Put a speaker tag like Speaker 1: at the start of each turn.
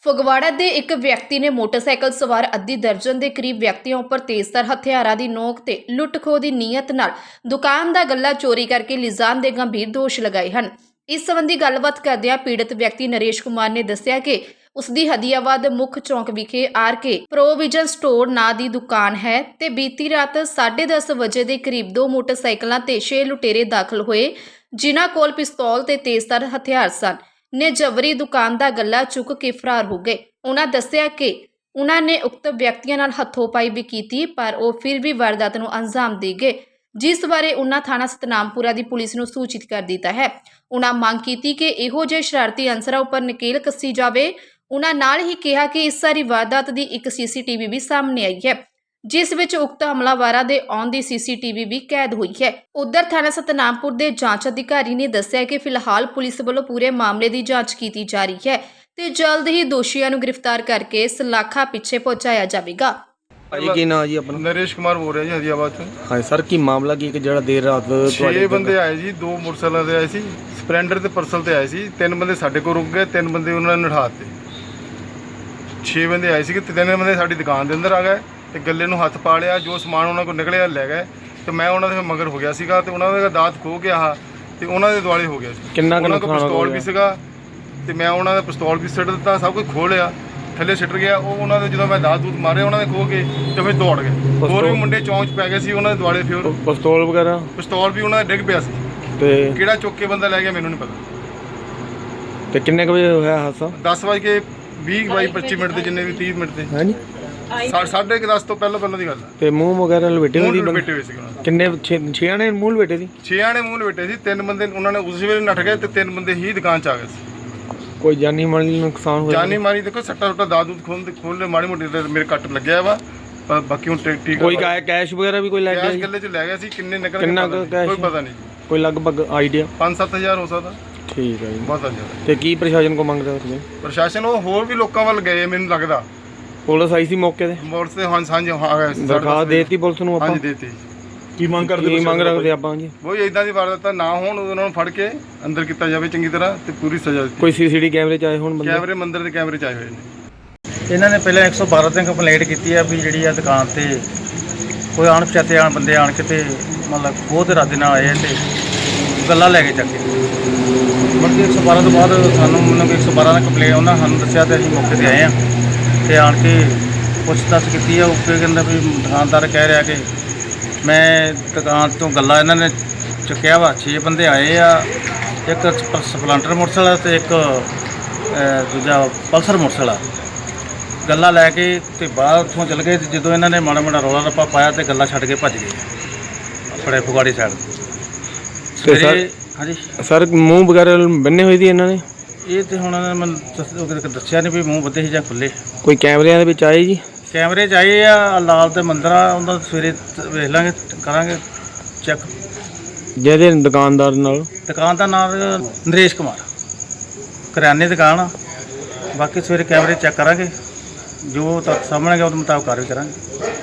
Speaker 1: ਫਗਵਾੜਾ ਦੇ ਇੱਕ ਵਿਅਕਤੀ ਨੇ ਮੋਟਰਸਾਈਕਲ ਸਵਾਰ ਅੱਧੀ ਦਰਜਨ ਦੇ ਕਰੀਬ ਵਿਅਕਤੀਆਂ ਉੱਪਰ ਤੇਜ਼ਧਾਰ ਹਥਿਆਰਾਂ ਦੀ ਨੋਕ ਤੇ ਲੁੱਟ-ਖੋਹ ਦੀ ਨੀਅਤ ਨਾਲ ਦੁਕਾਨ ਦਾ ਗੱਲਾ ਚੋਰੀ ਕਰਕੇ ਲਿਜਾਣ ਦੇ ਗੰਭੀਰ ਦੋਸ਼ ਲਗਾਏ ਹਨ। ਇਸ ਸੰਬੰਧੀ ਗੱਲਬਾਤ ਕਰਦਿਆਂ ਪੀੜਤ ਵਿਅਕਤੀ ਨਰੇਸ਼ ਕੁਮਾਰ ਨੇ ਦੱਸਿਆ ਕਿ ਉਸ ਦੀ ਹਦੀਆਬਾਦ ਮੁੱਖ ਚੌਂਕ ਵਿਖੇ ਆਰਕੇ ਪ੍ਰੋਵੀਜ਼ਨ ਸਟੋਰ ਨਾਂ ਦੀ ਦੁਕਾਨ ਹੈ ਤੇ ਬੀਤੀ ਰਾਤ 10:30 ਵਜੇ ਦੇ ਕਰੀਬ ਦੋ ਮੋਟਰਸਾਈਕਲਾਂ ਤੇ 6 ਲੁਟੇਰੇ ਦਾਖਲ ਹੋਏ, ਜਿਨ੍ਹਾਂ ਕੋਲ ਪਿਸਤੌਲ ਤੇ ਤੇਜ਼ਧਾਰ ਹਥਿਆਰ ਸਨ। ਨੇ ਜਬਰੀ ਦੁਕਾਨ ਦਾ ਗੱਲਾ ਚੁੱਕ ਕੇ ਫਰਾਰ ਹੋ ਗਏ। ਉਹਨਾਂ ਦੱਸਿਆ ਕਿ ਉਹਨਾਂ ਨੇ ਉਕਤ ਵਿਅਕਤੀਆਂ ਨਾਲ ਹੱਥੋਂ-ਪਾਈ ਵੀ ਕੀਤੀ, ਪਰ ਉਹ ਫਿਰ ਵੀ ਵਾਰਦਾਤ ਨੂੰ ਅੰਜਾਮ ਦੇ ਗਏ, ਜਿਸ ਬਾਰੇ ਉਹਨਾਂ ਥਾਣਾ ਸਤਨਾਮਪੁਰਾ ਦੀ ਪੁਲਿਸ ਨੂੰ ਸੂਚਿਤ ਕਰ ਦਿੱਤਾ ਹੈ। ਉਹਨਾਂ ਮੰਗ ਕੀਤੀ ਕਿ ਇਹੋ ਜਿਹੇ ਸ਼ਰਾਰਤੀ ਅਨਸਰਾਂ ਉੱਪਰ ਨਕੇਲ ਕੱਸੀ ਜਾਵੇ। ਉਹਨਾਂ ਨਾਲ ਹੀ ਕਿਹਾ ਕਿ ਇਸ ਸਾਰੀ ਵਾਰਦਾਤ ਦੀ ਇੱਕ CCTV ਵੀ ਸਾਹਮਣੇ ਆਈ ਹੈ, ਜਿਸ ਵਿੱਚ ਉਕਤ ਹਮਲਾਵਰਾਂ ਦੇ ਆਉਣ ਦੀ CCTV ਵੀ ਕੈਦ ਹੋਈ ਹੈ। ਉਧਰ ਥਾਣਾ ਸਤਨਾਮਪੁਰ ਦੇ ਜਾਂਚ ਅਧਿਕਾਰੀ ਨੇ ਦੱਸਿਆ ਕਿ ਫਿਲਹਾਲ ਪੁਲਿਸ ਵੱਲੋਂ ਪੂਰੇ ਮਾਮਲੇ ਦੀ ਜਾਂਚ ਕੀਤੀ ਜਾ ਰਹੀ ਹੈ ਤੇ ਜਲਦ ਹੀ ਦੋਸ਼ੀਆਂ ਨੂੰ ਗ੍ਰਿਫਤਾਰ ਕਰਕੇ ਸਲਾਖਾਂ ਪਿੱਛੇ ਪਹੁੰਚਾਇਆ ਜਾਵੇਗਾ।
Speaker 2: ਭਾਜੀ ਕੀ ਨਾਂ ਜੀ ਆਪਣਾ?
Speaker 3: ਨਰੇਸ਼ ਕੁਮਾਰ ਬੋਲ ਰਿਹਾ ਜੀ ਹਦੀਆਬਾਦ ਤੋਂ।
Speaker 2: ਹਾਂ ਸਰ, ਕੀ ਮਾਮਲਾ ਕੀ ਕਿ ਜਿਹੜਾ ਦੇਰ ਰਾਤ
Speaker 3: 6 ਬੰਦੇ ਆਏ ਜੀ, 2 ਮੋਟਰਸਾਈਕਲਾਂ ਤੇ ਆਏ ਸੀ, ਸਪਲੈਂਡਰ ਤੇ ਪਰਸਲ ਤੇ ਆਏ ਸੀ। 3 ਬੰਦੇ ਸਾਡੇ ਕੋਲ ਰੁਕ ਗਏ, 3 ਬੰਦੇ ਉਹਨਾਂ ਨੇ ਨਿਠਾ ਦਿੱਤੇ। 6 ਬੰਦੇ ਆਏ ਸੀ ਕਿ 3 ਬੰਦੇ ਸਾਡੀ ਦੁਕਾਨ ਦੇ ਅੰਦਰ ਆ ਗਏ ਤੇ ਗੱਲੇ ਨੂੰ ਹੱਥ ਪਾ ਲਿਆ। ਜੋ ਸਮਾਨ ਉਹਨਾਂ ਕੋਲ ਨਿਕਲਿਆ ਲੈ ਗਏ ਤੇ ਮੈਂ ਉਹਨਾਂ ਦੇ ਮਗਰ ਹੋ ਗਿਆ ਸੀਗਾ ਤੇ ਉਹਨਾਂ ਦਾ ਦਾਤ ਖੋ ਗਿਆ ਤੇ ਉਹਨਾਂ ਦੇ ਦੁਆਲੇ ਹੋ ਗਿਆ ਸੀ।
Speaker 2: ਕਿੰਨਾ ਕੁ
Speaker 3: ਉਹਨਾਂ ਕੋਲ
Speaker 2: ਨੁਕਸਾਨ
Speaker 3: ਪਿਸਤੌਲ ਵੀ ਸੀਗਾ ਤੇ ਮੈਂ ਉਹਨਾਂ ਦਾ ਪਿਸਤੌਲ ਵੀ ਸਿੱਟ ਦਿੱਤਾ, ਸਭ ਕੁਝ ਖੋਹ ਲਿਆ, ਥੱਲੇ ਸਿੱਟ ਗਿਆ। ਉਹ ਉਹਨਾਂ ਦੇ ਜਦੋਂ ਮੈਂ ਦਾਤ ਦੂਤ ਮਾਰੇ ਉਹਨਾਂ ਦੇ ਖੋ ਕੇ ਤੇ ਫਿਰ ਦੌੜ ਗਏ। ਹੋਰ ਵੀ ਮੁੰਡੇ ਚੌਂਚ ਪੈ ਗਏ ਸੀ ਉਹਨਾਂ ਦੇ ਦੁਆਲੇ। ਫਿਰ
Speaker 2: ਪਿਸਤੌਲ ਵਗੈਰਾ
Speaker 3: ਪਿਸਤੌਲ ਵੀ ਉਹਨਾਂ ਦਾ ਡਿੱਗ ਪਿਆ ਸੀ
Speaker 2: ਤੇ
Speaker 3: ਕਿਹੜਾ ਚੁੱਕ ਕੇ ਬੰਦਾ ਲੈ ਗਿਆ ਮੈਨੂੰ ਨਹੀਂ ਪਤਾ।
Speaker 2: ਤੇ ਕਿੰਨੇ ਕੁ ਵਜੇ ਹੋਇਆ ਹਾਦਸਾ?
Speaker 3: 10:20-25 ਦੇ ਜਿੰਨੇ ਵੀ 30 ਮਿੰਟ ਦੇ
Speaker 2: ਹਾਂਜੀ
Speaker 3: 10:30 ਤੋਂ ਪਹਿਲਾਂ ਦੀ ਗੱਲ ਹੈ।
Speaker 2: ਤੇ ਮੂੰਹ ਵਗੈਰਾ ਲਪੇਟੇ ਹੋਏ
Speaker 3: ਮੂੰਹ
Speaker 2: ਸੀ?
Speaker 3: ਲਪੇਟੇ ਹੋਏ ਸੀ ਉਹਨਾਂ ਦੇ।
Speaker 2: ਕਿੰਨੇ 6 ਨੇ ਮੂੰਹ ਲਪੇਟੇ ਸੀ?
Speaker 3: 6 ਨੇ ਮੂੰਹ ਲਪੇਟੇ ਸੀ। 3 ਬੰਦੇ ਉਹਨਾਂ ਨੇ ਉਸ ਵੇਲੇ ਨੱਠ ਗਏ ਤੇ 3 ਬੰਦੇ ਹੀ ਦੁਕਾਨ 'ਚ ਆ ਗਏ ਸੀ।
Speaker 2: ਕੋਈ ਜਾਨੀ ਮਾਲੀ ਨੁਕਸਾਨ ਹੋਇਆ?
Speaker 3: ਜਾਨੀ ਮਾਰੀ ਦੇਖੋ ਸੱਟਾ ਦਾਦ ਦੂਦ ਖੋਲ ਮਾੜੀ ਮੋਟੀ ਤੇ ਮੇਰੇ ਕੱਟ ਲੱਗਿਆ ਵਾ, ਪਰ ਬਾਕੀ ਹੁਣ ਠੀਕ।
Speaker 2: ਕੋਈ ਕੈਸ਼ ਵਗੈਰਾ ਵੀ ਕੋਈ ਲੈ ਗਿਆ?
Speaker 3: ਕੈਸ਼ ਗੱਲੇ 'ਚ ਲੈ ਗਿਆ ਸੀ। ਕਿੰਨੇ ਨਿਕਲ ਗਏ
Speaker 2: ਕਿੰਨਾ ਕੈਸ਼
Speaker 3: ਕੋਈ ਪਤਾ ਨਹੀਂ।
Speaker 2: ਕੋਈ ਲਗਭਗ ਆਈਡੀਆ?
Speaker 3: 5-7 ਹਜ਼ਾਰ ਹੋ ਸਕਦਾ।
Speaker 2: ਠੀਕ ਹੈ ਜੀ।
Speaker 3: ਬਹੁਤ ਜ਼ਿਆਦਾ।
Speaker 2: ਤੇ ਕੀ ਪ੍ਰਸ਼ਾਸਨ ਕੋ ਮੰਗ ਰਹੇ ਹੋ ਤੁਸੀਂ?
Speaker 3: ਪ੍ਰਸ਼ਾਸਨ ਉਹ ਹੋਰ ਵੀ ਲੋਕਾਂ ਵੱਲ ਗਏ ਮੈਨੂੰ ਲੱਗਦਾ।
Speaker 2: ਪੁਲਿਸ ਆਈ ਸੀ ਮੌਕੇ ਤੇ?
Speaker 3: ਮੋਟਰ ਤੇ ਹਾਂ ਸਾਂਝ ਆ ਗਏ ਸੀ।
Speaker 2: ਦਰਖਾਸਤ ਦੇਤੀ ਪੁਲਿਸ ਨੂੰ ਆਪਾਂ?
Speaker 3: ਹਾਂਜੀ ਦੇਤੀ।
Speaker 2: ਕੀ ਮੰਗ ਰੱਖਦੇ ਆਪਾਂ ਜੀ?
Speaker 3: ਕੋਈ ਇਦਾਂ ਦੀ ਵਾਰਦਾਤਾਂ ਨਾ ਹੋਣ, ਉਹਨਾਂ ਨੂੰ ਫੜ ਕੇ ਅੰਦਰ ਕੀਤਾ ਜਾਵੇ ਚੰਗੀ ਤਰ੍ਹਾਂ ਤੇ ਪੂਰੀ ਸਜ਼ਾ ਦਿੱਤੀ।
Speaker 2: ਕੋਈ CCTV ਕੈਮਰੇ ਚ ਆਏ ਹੋਣ ਬੰਦੇ?
Speaker 3: ਕੈਮਰੇ ਮੰਦਰ ਦੇ ਕੈਮਰੇ ਚ ਆਏ ਹੋਏ ਨੇ।
Speaker 4: ਇਹਨਾਂ ਨੇ ਪਹਿਲਾਂ 112 ਤੇ ਕੰਪਲੇਂਟ ਕੀਤੀ ਆ ਵੀ ਜਿਹੜੀ ਆ ਦੁਕਾਨ ਤੇ ਕੋਈ ਅਣਪਛਾਤੇ ਬੰਦੇ ਆਣ ਕੇ ਤੇ ਮਤਲਬ ਖੋਹ ਦੇ ਇਰਾਦੇ ਨਾਲ ਆਏ ਤੇ ਗੱਲਾਂ ਲੈ ਕੇ ਚੱਕ ਕੇ। ਬਾਕੀ 112 ਤੋਂ ਬਾਅਦ ਮੈਨੂੰ 112 ਦਾ ਕੰਪਲੇਂਟ ਉਹਨਾਂ ਸਾਨੂੰ ਦੱਸਿਆ ਤੇ ਅਸੀਂ ਮੌਕੇ ਤੇ ਆਏ ਆ ਤੇ ਆਣ ਕੇ ਪੁੱਛ-ਦੱਸ ਕੀਤੀ ਆ। ਉੱਪਰ ਕਹਿੰਦਾ ਵੀ ਦੁਕਾਨਦਾਰ ਕਹਿ ਰਿਹਾ ਕਿ ਮੈਂ ਦੁਕਾਨ ਤੋਂ ਗੱਲਾਂ ਇਹਨਾਂ ਨੇ ਚੁੱਕਿਆ ਵਾ। 6 ਬੰਦੇ ਆਏ ਆ, ਇੱਕ ਸਪਲੈਂਡਰ ਮੋਟਰਸਾਈਕਲ ਤੇ ਇੱਕ ਦੂਜਾ ਪਲਸਰ ਮੋਟਰਸਾਈਕਲ। ਗੱਲਾਂ ਲੈ ਕੇ ਤੇ ਬਾਹਰ ਉੱਥੋਂ ਚਲ ਗਏ ਤੇ ਜਦੋਂ ਇਹਨਾਂ ਨੇ ਮਾੜਾ ਰੌਲਾ ਰੱਪਾ ਪਾਇਆ ਤੇ ਗੱਲਾਂ ਛੱਡ ਕੇ ਭੱਜ ਗਏ ਆਪਣੇ ਫਗਵਾੜੇ ਸਾਈਡ। ਸਵੇਰੇ ਹਾਂਜੀ
Speaker 2: ਸਰ ਮੂੰਹ ਵਗੈਰਾ ਬੰਨੇ ਹੋਏ ਸੀ ਇਹਨਾਂ ਨੇ?
Speaker 4: ਇਹ ਤੇ ਹੁਣ ਮੈਨੂੰ ਦੱਸਿਆ ਨਹੀਂ ਵੀ ਮੂੰਹ ਬੱਧੇ ਸੀ ਜਾਂ ਖੁੱਲੇ।
Speaker 2: ਕੋਈ ਕੈਮਰਿਆਂ ਦੇ ਵਿੱਚ ਆਏ ਜੀ?
Speaker 4: ਕੈਮਰੇ 'ਚ ਆਏ ਆ, ਲਾਲ ਤੇ ਮੰਦਰ ਆ, ਉਹਨਾਂ ਸਵੇਰੇ ਵੇਖ ਲਾਂਗੇ, ਕਰਾਂਗੇ ਚੈੱਕ।
Speaker 2: ਜਿਹਦੇ ਦੁਕਾਨਦਾਰ ਨਾਲ?
Speaker 4: ਦੁਕਾਨ ਦਾ ਨਾਮ ਨਰੇਸ਼ ਕੁਮਾਰ, ਕਰਿਆਨੇ ਦੁਕਾਨ ਆ। ਬਾਕੀ ਸਵੇਰੇ ਕੈਮਰੇ ਚੈੱਕ ਕਰਾਂਗੇ, ਜੋ ਤੱਕ ਸਾਹਮਣੇ ਗਿਆ ਉਹਦੇ ਮੁਤਾਬਕ ਕਾਰਵਾਈ ਕਰਾਂਗੇ।